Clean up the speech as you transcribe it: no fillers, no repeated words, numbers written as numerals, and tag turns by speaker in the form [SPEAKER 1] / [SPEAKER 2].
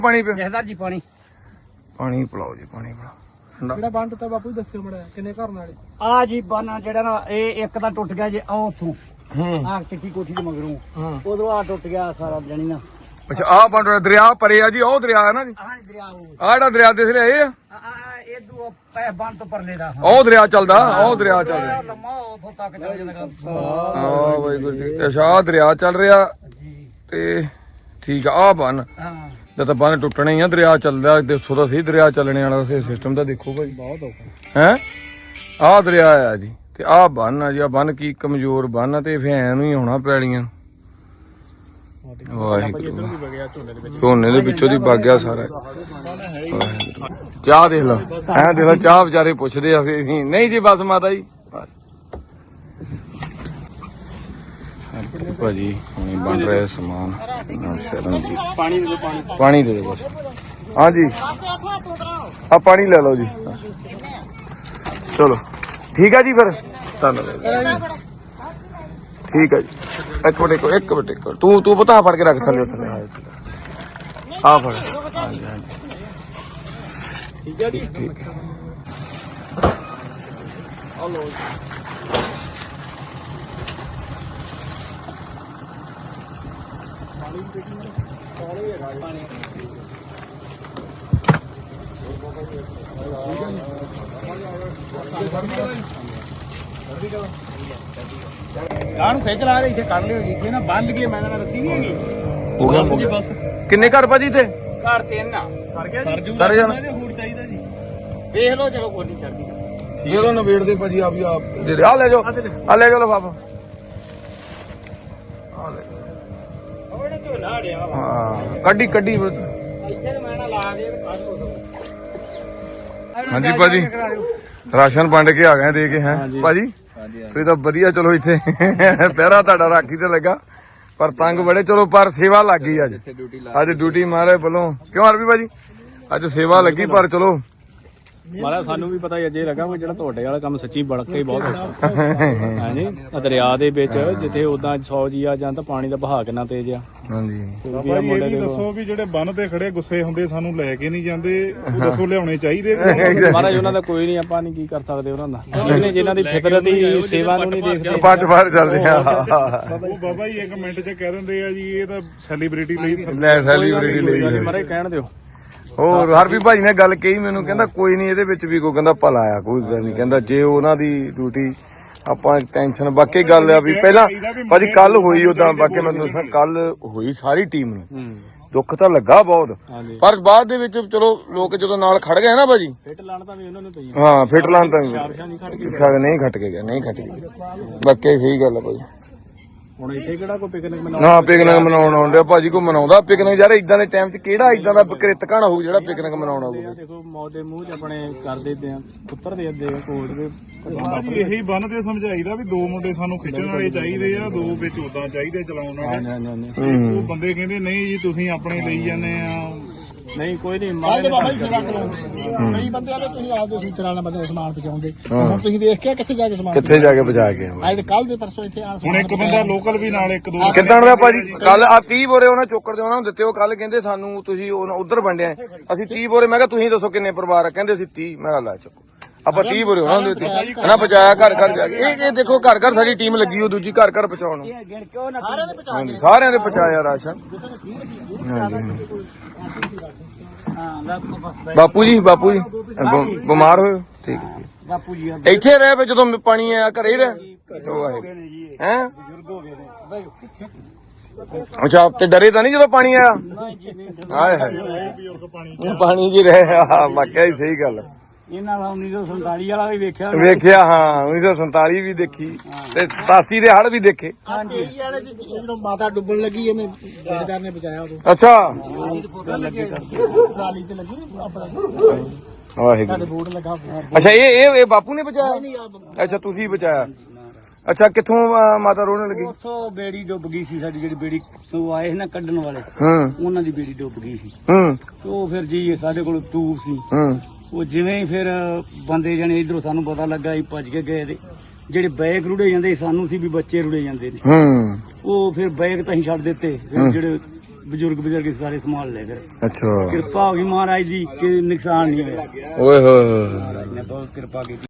[SPEAKER 1] ਪਾਣੀ ਪਿਆ
[SPEAKER 2] ਜਹਦਾਰ ਜੀ ਪਾਣੀ
[SPEAKER 1] ਪਿਲਾਓ ਜੀ, ਪਾਣੀ ਪਿਲਾਓ।
[SPEAKER 3] ਜਿਹੜਾ ਬੰਨ ਟੁੱਟਾ ਬਾਪੂ ਦੱਸਿਓ ਮੜਾ ਕਿੰਨੇ ਘਰ ਨਾਲੇ
[SPEAKER 2] ਆ ਜੀ ਬਾਨਾ ਜਿਹੜਾ ਨਾ ਇਹ ਇੱਕ ਤਾਂ ਟੁੱਟ ਗਿਆ ਜੇ ਆ ਉੱਥੋਂ ਆ ਚਿੱਟੀ ਕੋਠੀ ਦੇ ਮਗਰੋਂ ਉਧਰੋਂ ਆ ਟੁੱਟ ਗਿਆ ਸਾਰਾ ਜਣੀ ਨਾ।
[SPEAKER 1] ਅੱਛਾ ਆਹ ਪਾਣੀ ਦਰਿਆ ਪਰੇ ਆ ਜੀ, ਉਹ ਦਰਿਆ ਹੈ ਨਾ ਜੀ,
[SPEAKER 2] ਹਾਂ ਦਰਿਆ ਉਹ
[SPEAKER 1] ਆਹ ਜਿਹੜਾ ਦਰਿਆ ਦਿਸ ਰਿਹਾ ਇਹ ਆ,
[SPEAKER 2] ਇਹ ਦੂ ਬੰਨ ਤੋਂ ਪਰਲੇ ਦਾ
[SPEAKER 1] ਉਹ ਦਰਿਆ ਚੱਲਦਾ, ਉਹ ਦਰਿਆ ਚੱਲ ਰਿਹਾ।
[SPEAKER 2] ਲੰਮਾ ਉੱਥੋਂ ਤੱਕ ਚੱਲ ਜਾਂਦਾ।
[SPEAKER 1] ਹਾਂ ਵਾਹਿਗੁਰੂ ਜੀ। ਅੱਛਾ ਆਹ ਦਰਿਆ ਚੱਲ ਰਿਹਾ ਤੇ ਠੀਕ ਆ। ਆਹ ਬੰਨ
[SPEAKER 2] ਹਾਂ
[SPEAKER 1] ਜਦ ਤਾਂ ਬੰਨ ਟੁੱਟਣਾ ਹੀ ਆ, ਦਰਿਆ ਚੱਲਦਾ। ਦੇਖੋ ਤਾਂ ਸਹੀ ਦਰਿਆ ਚੱਲਣੇ ਵਾਲਾ ਸਿਸਟਮ ਤਾਂ ਦੇਖੋ ਭਾਈ, ਬਹੁਤ ਔਖਾ ਹੈ। ਆਹ ਦਰਿਆ ਆ ਜੀ ਤੇ ਆਹ ਬੰਨ ਆ ਜੀ। ਆਹ ਬੰਨ ਕੀ ਕਮਜ਼ੋਰ ਬੰਨ ਆ ਤੇ ਫੈਨ ਨੂੰ ਹੀ ਹੋਣਾ ਪੈਲੀਆਂ। ਵਾਹਿਗੁਰੂ ਝੋਨੇ ਦੇ ਵਿੱਚੋਂ ਦੀ ਵਗ ਗਿਆ ਸਾਰਾ। ਚਾਹ ਦੇਖ ਲਓ, ਐਂ ਦੇਖ ਲਓ ਚਾਹ ਵਿਚਾਰੇ ਪੁੱਛਦੇ ਆ ਫੇਰ ਵੀ ਨਹੀਂ ਜੀ ਬਸ ਮਾਤਾ ਜੀ ਭਾਜੀ ਹੁਣੇ ਬਣ ਰਿਹਾ ਸਮਾਨ। ਪਾਣੀ ਦੇ ਦਿਓ, ਪਾਣੀ ਦੇ ਦਿਓ ਬਸ। ਹਾਂਜੀ ਆ ਪਾਣੀ ਲੈ ਲਓ ਜੀ, ਚਲੋ ਠੀਕ ਆ ਜੀ ਫਿਰ ਧੰਨਵਾਦ। ਠੀਕ ਹੈ ਜੀ। ਇੱਕ ਮਿੰਟ ਤੂੰ ਪਤਾ ਫੜ ਕੇ ਰੱਖ ਥੱਲੇ ਆ ਫੜ। ਹਾਂਜੀ ਹਾਂਜੀ ਠੀਕ ਹੈ ਜੀ, ਠੀਕ ਹੈ।
[SPEAKER 2] ਗਾਂ ਨੂੰ ਖਿੱਚ ਲਾ ਦੇ ਇੱਥੇ ਕੱਢ ਲਿਓ ਜੀ। ਇੱਥੇ ਨਾ ਬੰਨ ਲਈਏ, ਮੈਂ ਨਾ ਰੱਸੀ ਨਹੀਂ ਹੈਗੀ।
[SPEAKER 1] ਹੋ ਗਿਆ ਬਸ। ਕਿੰਨੇ ਘਰ ਭਾਜੀ ਇੱਥੇ?
[SPEAKER 2] ਘਰ ਤਿੰਨ ਆ। ਸਰ ਗਿਆ ਜੀ,
[SPEAKER 1] ਸਰ ਜਾਣਾ
[SPEAKER 2] ਹੋਰ ਚਾਹੀਦਾ ਜੀ। ਵੇਖ ਲਓ ਚਲੋ ਕੋਈ ਨਹੀਂ ਚੜਦੀ
[SPEAKER 1] ਦੇ ਲੋ ਨਵੇੜ ਦੇ ਭਾਜੀ ਆਪ ਹੀ ਆਪ ਦੇ ਦੇ। ਆ ਲੈ ਜਾਓ, ਆ ਲੈ ਜਾਓ ਲਫਾਫਾ। ਆ ਲੈ
[SPEAKER 2] ਉਹਨੇ ਝੋਲਾ ਅੜਿਆ ਵਾ।
[SPEAKER 1] ਹਾਂ ਕੱਢੀ
[SPEAKER 2] ਇੱਥੇ ਮੈਂ ਨਾ ਲਾ ਕੇ ਕੱਢ ਲਓ।
[SPEAKER 1] ਹਾਂਜੀ ਭਾਜੀ ਰਾਸ਼ਨ ਵੰਡ ਕੇ ਆ ਗਏ ਦੇ ਕੇ ਹੈ ਭਾਜੀ। ਤੁਸੀਂ ਤਾਂ ਵਧੀਆ, ਚਲੋ ਇੱਥੇ ਪਹਿਰਾ ਤੁਹਾਡਾ ਰਾਖੀ ਤੇ ਲੱਗਾ ਪਰ ਤੰਗ ਬੜੇ। ਚਲੋ ਪਰ ਸੇਵਾ ਲੱਗ ਗਈ ਅੱਜ ਡਿਊਟੀ ਮਹਾਰਾਜ ਵੱਲੋਂ। ਕਿਉਂ ਅਰਬੀ ਭਾਜੀ ਅੱਜ ਸੇਵਾ ਲੱਗੀ ਪਰ ਚਲੋ
[SPEAKER 3] ਮਾਰਾ ਸਾਨੂੰ ਵੀ ਪਤਾ ਹੀ ਅਜੇ ਲੱਗਾ ਵੀ ਜਿਹੜਾ ਤੁਹਾਡੇ ਵਾਲਾ ਕੰਮ ਸੱਚੀ ਬੜਕੇ ਬਹੁਤ ਔਖਾ ਹਾਂਜੀ। ਦਰਿਆ ਦੇ ਵਿੱਚ ਜਿੱਥੇ ਉਦਾਂ 100 ਜੀ ਆ ਜਾਂ ਤਾਂ ਪਾਣੀ ਦਾ ਵਹਾਅ ਕਿੰਨਾ ਤੇਜ਼ ਆ।
[SPEAKER 1] ਹਾਂਜੀ
[SPEAKER 4] ਇਹ ਵੀ ਦੱਸੋ ਵੀ ਜਿਹੜੇ ਬੰਨ ਤੇ ਖੜੇ ਗੁੱਸੇ ਹੁੰਦੇ ਸਾਨੂੰ ਲੈ ਕੇ ਨਹੀਂ ਜਾਂਦੇ, ਉਹ ਦੱਸੋ ਲਿਆਉਣੇ ਚਾਹੀਦੇ।
[SPEAKER 3] ਮਹਾਰਾਜ ਉਹਨਾਂ ਦਾ ਕੋਈ ਨਹੀਂ, ਆਪਾਂ ਨਹੀਂ ਕੀ ਕਰ ਸਕਦੇ ਉਹਨਾਂ ਦਾ। ਜਿਨ੍ਹਾਂ ਦੀ ਫਿਤਰਤ ਹੀ ਸੇਵਾ ਨੂੰ ਨਹੀਂ ਦੇਖਦੇ,
[SPEAKER 1] ਪੰਜ ਬਾਹਰ ਚੱਲਦੇ ਆ।
[SPEAKER 4] ਉਹ ਬਾਬਾ ਜੀ 1 ਮਿੰਟ 'ਚ ਕਹਿ ਦਿੰਦੇ ਆ ਜੀ ਇਹ ਤਾਂ ਸੈਲੀਬ੍ਰਿਟੀ ਲਈ
[SPEAKER 1] ਲੈ ਸੈਲੀਬ੍ਰਿਟੀ ਲਈ
[SPEAKER 3] ਮਹਾਰਾਜ ਕਹਿਣ ਦਿਓ।
[SPEAKER 1] ਹੋਰ ਹਰਬੀ ਭਾਜੀ ਨੇ ਗੱਲ ਕਹੀ ਮੈਨੂੰ, ਕਹਿੰਦਾ ਕੋਈ ਨਹੀਂ ਇਹਦੇ ਵਿੱਚ ਵੀ ਕੋਈ ਕਹਿੰਦਾ ਭਲਾ ਆ, ਕੋਈ ਗੱਲ ਨਹੀਂ। ਕਹਿੰਦਾ ਜੇ ਉਹਨਾਂ ਦੀ ਡਿਊਟੀ ਆਪਾਂ ਟੈਨਸ਼ਨ। ਬਾਕੀ ਗੱਲ ਆ ਵੀ ਪਹਿਲਾਂ ਭਾਜੀ ਕੱਲ ਹੋਈ ਉਦਾਂ, ਬਾਕੀ ਮੈਂ ਦੱਸਾਂ ਕੱਲ ਹੋਈ ਸਾਰੀ ਟੀਮ ਨੂੰ ਦੁੱਖ ਤਾਂ ਲੱਗਾ ਬਹੁਤ, ਪਰ ਬਾਅਦ ਦੇ ਵਿੱਚ ਚਲੋ ਲੋਕ ਜਦੋਂ ਨਾਲ ਖੜ ਗਏ ਨਾ ਭਾਜੀ,
[SPEAKER 3] ਫਿੱਟ ਲਾਣ ਤਾਂ ਵੀ ਉਹਨਾਂ ਨੂੰ ਪਈ।
[SPEAKER 1] ਹਾਂ ਫਿੱਟ ਲਾਣ ਤਾਂ
[SPEAKER 3] ਨਹੀਂ
[SPEAKER 1] ਖੱਟ ਕੇ ਗਿਆ। ਬਾਕੀ ਸਹੀ ਗੱਲ ਆ ਭਾਜੀ।
[SPEAKER 3] ਹੁਣ ਇੱਥੇ ਕਿਹੜਾ ਕੋਈ ਪਿਕਨਿਕ ਮਨਾਉਣਾ?
[SPEAKER 1] ਨਾ ਪਿਕਨਿਕ ਮਨਾਉਣ ਆਉਂਦੇ ਭਾਜੀ, ਕੋਈ ਮਨਾਉਂਦਾ ਪਿਕਨਿਕ ਯਾਰ ਇਦਾਂ ਦੇ ਟਾਈਮ 'ਚ? ਕਿਹੜਾ ਇਦਾਂ ਦਾ ਕਿਰਤ ਘਾਣਾ ਹੋਊ ਜਿਹੜਾ ਪਿਕਨਿਕ ਮਨਾਉਣਾ ਹੋਊਗਾ?
[SPEAKER 3] ਦੇਖੋ ਮੌਤ ਦੇ ਮੂੰਹ 'ਚ ਆਪਣੇ ਕਰਦੇ ਪਏ ਆ, ਪੁੱਤਰ ਦੇ ਅੱਦੇ ਕੋਟ ਦੇ।
[SPEAKER 4] ਜੀ ਇਹੀ ਬੰਨ ਤੇ ਸਮਝਾਈਦਾ ਵੀ 2 ਮੁੰਡੇ ਸਾਨੂੰ ਖਿੱਚਣ ਵਾਲੇ ਚਾਹੀਦੇ ਆ, 2 ਵਿੱਚ ਉਦਾਂ ਚਾਹੀਦੇ ਚਲਾਉਣ ਵਾਲੇ। ਉਹ ਬੰਦੇ ਕਹਿੰਦੇ ਨਹੀਂ ਜੀ ਤੁਸੀਂ ਆਪਣੇ ਲਈ ਜਾਂਦੇ ਆ।
[SPEAKER 3] ਨਹੀਂ ਕੋਈ ਨਹੀਂ
[SPEAKER 5] ਬਾਬਾ ਜੀ ਸੇਵਾ ਕਰੋ। ਕਈ ਬੰਦੇ ਆਲੇ ਤੁਸੀਂ ਆਪਦੇ ਸੂਤਰਾਂ ਨਾਲ ਬੰਦੇ ਸਮਾਨ ਪਹੁੰਚਾਉਂਦੇ, ਹੁਣ ਤੁਸੀਂ ਦੇਖ ਕੇ ਕਿੱਥੇ ਜਾ ਕੇ ਸਮਾਨ
[SPEAKER 1] ਕਿੱਥੇ ਜਾ ਕੇ ਬਚਾ ਕੇ
[SPEAKER 5] ਅੱਜ ਕੱਲ ਦੇ ਪਰਸੋਂ ਇੱਥੇ ਆ
[SPEAKER 4] ਹੁਣ ਇੱਕ ਬੰਦਾ ਲੋਕਲ ਵੀ ਨਾਲ 1-2
[SPEAKER 1] ਕਿੱਦਾਂ ਦਾ ਭਾਜੀ? ਕੱਲ ਆ 30 ਬੋਰੇ ਉਹਨਾਂ ਚੋਕਰ ਦੇ ਉਹਨਾਂ ਨੂੰ ਦਿੱਤੇ। ਉਹ ਕੱਲ ਕਹਿੰਦੇ ਸਾਨੂੰ ਤੁਸੀਂ ਉਧਰ ਵੰਡਿਆ, ਅਸੀਂ 30 ਬੋਰੇ। ਮੈਂ ਕਿਹਾ ਤੁਸੀਂ ਦੱਸੋ ਕਿੰਨੇ ਪਰਿਵਾਰ ਆ? ਕਹਿੰਦੇ ਅਸੀਂ 30। ਮੈਂ ਕਿਹਾ ਲੈ ਚੱਕੋ ਆਪਾਂ 30 ਬੋਰੇ ਉਹਨਾਂ ਨੂੰ ਦਿੱਤੇ ਨਾ, ਪਹੁੰਚਾਇਆ ਘਰ ਘਰ ਜਾ ਕੇ। ਇਹ ਦੇਖੋ ਘਰ ਘਰ ਸਾਡੀ ਟੀਮ ਲੱਗੀ, ਉਹ ਦੂਜੀ ਘਰ ਘਰ ਪਹੁੰਚਾਉਣ ਨੂੰ। ਹਾਂਜੀ ਸਾਰਿਆਂ ਦੇ ਪਹੁੰਚਾਇਆ ਰਾਸ਼ਨ। ਬਾਪੂ ਜੀ ਬਿਮਾਰ ਹੋਏ? ਠੀਕ ਹੈ
[SPEAKER 2] ਬਾਪੂ ਜੀ
[SPEAKER 1] ਇੱਥੇ ਰਹਿ ਪਏ ਜਦੋਂ ਪਾਣੀ ਆਇਆ, ਘਰੇ ਰਹਿ ਹੈ? ਅੱਛਾ ਤੇ ਡਰੇ ਤਾਂ ਨਹੀਂ ਜਦੋਂ ਪਾਣੀ ਆਇਆ? ਹਾਏ ਹਾਏ ਪਾਣੀ ਜੀ ਰਹੇ। ਵਾਕਿਆ ਹੀ ਸਹੀ ਗੱਲ।
[SPEAKER 2] ਇਹਨਾਂ ਦਾ 1947 ਵਾਲਾ ਵੀ ਵੇਖਿਆ।
[SPEAKER 1] ਹਾਂ 1947 ਵੀ ਦੇਖੀ ਤੇ 87 ਦੇ ਹੜ੍ਹ ਵੀ ਦੇਖੇ।
[SPEAKER 5] ਹਾਂਜੀ ਜਦੋਂ ਮਾਤਾ ਡੁੱਬਣ ਲੱਗੀ ਇਹਨੇ ਜਥੇਦਾਰ ਨੇ ਬਚਾਇਆ ਉਦੋਂ।
[SPEAKER 1] ਅੱਛਾ
[SPEAKER 5] ਟਰਾਲੀ ਤੇ ਲੱਗੀ ਆਪਣਾ
[SPEAKER 1] ਵਾਹਿਗੁਰੂ।
[SPEAKER 5] ਬੋਰਡ ਲੱਗਾ।
[SPEAKER 1] ਅੱਛਾ ਇਹ ਬਾਪੂ ਨੇ ਬਚਾਇਆ? ਅੱਛਾ ਤੁਸੀਂ ਬਚਾਇਆ। ਅੱਛਾ ਕਿੱਥੋਂ ਮਾਤਾ ਰੋਣ ਲੱਗੀ?
[SPEAKER 2] ਉੱਥੋਂ ਬੇੜੀ ਡੁੱਬ ਗਈ ਸੀ ਸਾਡੀ, ਜਿਹੜੀ ਬੇੜੀ ਸੋ ਆਏ ਸੀ ਨਾ ਕੱਢਣ ਵਾਲੇ, ਉਹਨਾਂ ਦੀ ਬੇੜੀ ਡੁੱਬ ਗਈ ਸੀ। ਉਹ ਫਿਰ ਜੀ ਸਾਡੇ ਕੋਲ ਟੂਬ ਸੀ, ਉਹ ਜਿਵੇਂ ਹੀ ਫਿਰ ਬੰਦੇ ਜਾਣੇ ਇਧਰੋਂ ਸਾਨੂੰ ਪਤਾ ਲੱਗਾ ਅਸੀਂ ਭੱਜ ਕੇ ਗਏ ਤੇ ਜਿਹੜੇ ਬੈਗ ਰੁੜੇ ਜਾਂਦੇ ਸਾਨੂੰ ਸੀ ਵੀ ਬੱਚੇ ਰੁੜੇ ਜਾਂਦੇ ਨੇ। ਉਹ ਫਿਰ ਬੈਗ ਤਾਂ ਅਸੀਂ ਛੱਡ ਦਿੱਤੇ, ਫਿਰ ਜਿਹੜੇ ਬਜ਼ੁਰਗ ਸਾਰੇ ਸੰਭਾਲ ਲਏ ਫਿਰ
[SPEAKER 1] ਅੱਛਾ
[SPEAKER 2] ਕਿਰਪਾ ਹੋ ਗਈ ਮਹਾਰਾਜ ਦੀ ਕਿ ਨੁਕਸਾਨ ਨਹੀਂ ਹੋਇਆ
[SPEAKER 1] ਓਏ ਹੋਏ ਹੋਏ
[SPEAKER 2] ਮਹਾਰਾਜ ਨੇ ਬਹੁਤ ਕਿਰਪਾ ਕੀਤੀ